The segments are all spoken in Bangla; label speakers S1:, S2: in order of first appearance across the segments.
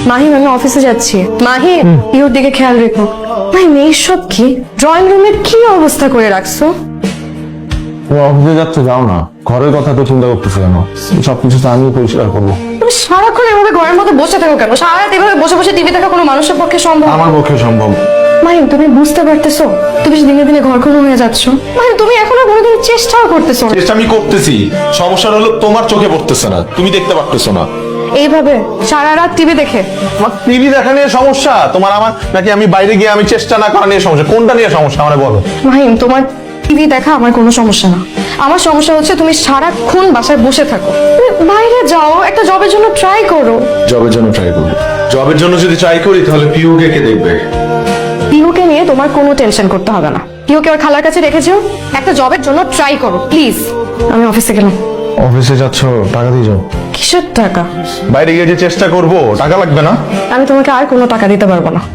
S1: মাহিম আমি অফিসে যাচ্ছি। মাহিম ইওর দিকে খেয়াল রেখো। মাহিম এইসব কি? ড্রয়িং রুমের কি অবস্থা করে রাখছো?
S2: তুমি অফিসে যাচ্ছে, যাও না। ঘরের কথা তো চিন্তা করতেছো কেন? সবকিছু তো আমি পরিষ্কার করবো।
S1: তুমি সারাক্ষণ এভাবে ঘরের মধ্যে বসে থাকো কেন? সারা রাত এভাবে বসে বসে টিভি দেখা কোনো মানুষের পক্ষে সম্ভব?
S2: আমার পক্ষে সম্ভব।
S1: মাহিম তুমি বুঝতে পারতেছো তুমি দিনে দিনে ঘরখনো হয়ে যাচ্ছ? মাহিম তুমি এখনো কোনোদিন চেষ্টাও করতেছো না।
S2: চেষ্টা আমি করতেছি, সমস্যাটা হলো তোমার চোখে পড়তেছে না, তুমি দেখতে পারতেছো না।
S1: এইভাবে সারা রাত টিভি দেখে?
S2: আমার টিভি দেখা নিয়ে সমস্যা, তোমার আমার, নাকি আমি বাইরে গিয়ে আমি চেষ্টা না করা নিয়ে সমস্যা? কোনটা নিয়ে সমস্যা আমারে বলো।
S1: মাহিম তোমার টিভি দেখা আমার কোনো সমস্যা না। আমার সমস্যা হচ্ছে তুমি সারাক্ষণ বাসায় বসে থাকো। তুমি বাইরে যাও, একটা জবের জন্য ট্রাই করো।
S2: জবের জন্য ট্রাই করবো? জবের জন্য যদি ট্রাই করি তাহলে পিউকে কে দেখবে?
S1: পিহুকে নিয়ে তোমার কোনো টেনশন করতে হবে না। পিহুকে ওর খালার কাছে রেখেছো, একটা জবের জন্য ট্রাই করো প্লিজ। আমি অফিসে গেলাম।
S2: অফিসে যাচ্ছ, টাকা দিয়ে যাও।
S1: কিসের টাকা?
S2: বাইরে গিয়ে যে চেষ্টা করবো, টাকা লাগবে না?
S1: আমি তোমাকে আর কোনো টাকা দিতে পারবো না।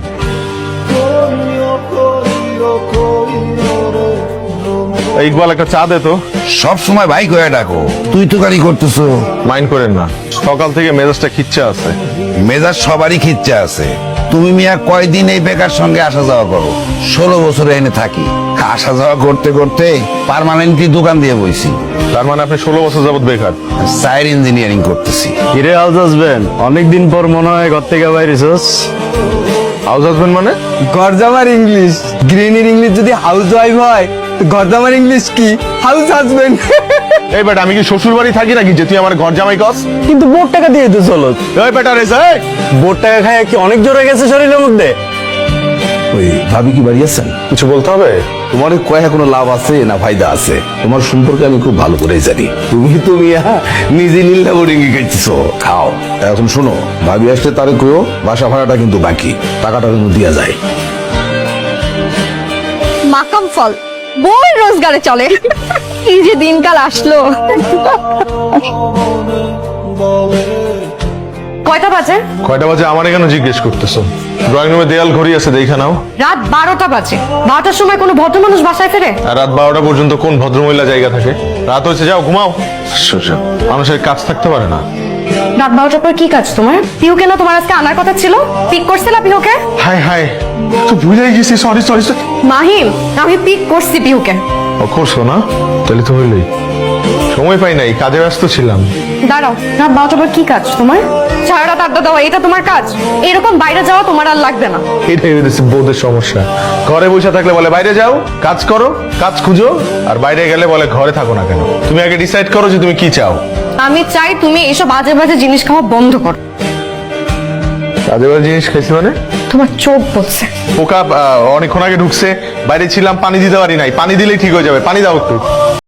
S2: ইকবাল একটা চা দে তো।
S3: সব সময় ভাই করে ডাকো, তুই তো গাড়ি করতেছো।
S2: মাইন্ড করেন না, সকাল থেকে মেজাজটা খিচ্ছে আছে।
S3: মেজাজ সবারই খিচ্ছে আছে। তুমি মিয়া কয়দিন এই বেকার সঙ্গে আসা যাওয়া করো? 16 বছরে এনে থাকি, আসা যাওয়া করতে করতে পার্মানেন্টলি দোকান দিয়ে বইছি।
S2: তার মানে আপনি 16 বছর যাবত বেকার?
S3: সাইড ইঞ্জিনিয়ারিং করতেছি।
S4: কিরে হাউস হাজবেন্ড, অনেকদিন পর মনে হয় ঘর থেকে বাইরেছস।
S2: হাউস হাজবেন্ড মানে?
S4: ঘরজামার ইংলিশ, গ্রিনির ইংলিশ যদি হাউস ওয়াইফ হয় তো ঘরজামার ইংলিশ কি? House husband.
S2: এই বেটা, আমি কি শ্বশুর বাড়ি থাকি নাকি যে তুই আমার ঘর জামাই কস?
S4: কিন্তু বোর্ড টাকা দিয়ে তো চলো।
S2: এই বেটা রে,
S4: বোর্ড টাকা খায় কি অনেক জোরে গেছে শরীরের মধ্যে?
S3: ওই ভাবি কি বাড়ি আছেন?
S2: কিছু বলতে হবে?
S3: তোমার কয়ে কোনো লাভ আছে না ফায়দা আছে? তোমার সম্পর্কে আমি খুব ভালো করে জানি। তুমি নিজে নীলা বোর্ডিং খাইতেছো, খাও। এখন শোনো, ভাবি আসলে তারে কইও বাসা ভাড়াটা কিন্তু বাকি, টাকাটা কিন্তু দিয়া যায়।
S1: মাকাম ফল বই রোজগারে চলে। কি যে দিনকাল আসলো। কয়টা বাজে?
S2: কয়টা বাজে আমার কেন জিজ্ঞেস করতেছো? ড্রয়িং রুমে দেয়াল ঘড়ি আছে, দেখা নাও।
S1: রাত 12টা বাজে। 12টার সময় কোনো ভদ্র মানুষ বাসায় ফেরে?
S2: আর রাত 12টা পর্যন্ত কোন ভদ্রমহিলা জায়গা থাকে? রাত হয়েছে, যাও ঘুমাও। মানুষের কাজ থাকতে পারে না।
S1: রাত 12টার পর কি কাজ তোমার? পিহুকে না তোমার আজকে আনার কথা ছিল? পিক করছিলা পিহুকে?
S2: হাই হাই, তো ভুলে গেছি, সরি সরি।
S1: মাহিম আমি পিক করছি পিহুকে।
S2: ও করছো না? তাহলে তো হইলই। সময় পাই নাই, কাজে ব্যস্ত ছিলাম।
S1: দাঁড়াও, রাত 12টার পর কি কাজ তোমার? সারা রাত আড্ডা দেওয়া এটা তোমার কাজ? এরকম বাইরে যাওয়া তোমার আর লাগবে না।
S2: এটাই হয়েছে বউদের সমস্যা। ঘরে বসে থাকলে বলে বাইরে যাও, কাজ করো, কাজ খুঁজো, আর বাইরে গেলে বলে ঘরে থাকো না কেন। তুমি আগে ডিসাইড করো যে তুমি কি চাও।
S1: আমি চাই তুমি এইসব বাজে বাজে জিনিস খাওয়া বন্ধ করো।
S2: কাজে বাজে জিনিস খাইছি মানে?
S1: তোমার চোখ বলছে।
S2: পোকা অনেকক্ষণ আগে ঢুকছে, বাইরে ছিলাম, পানি দিতে পারি নাই। পানি দিলেই ঠিক হয়ে যাবে, পানি দাও একটু।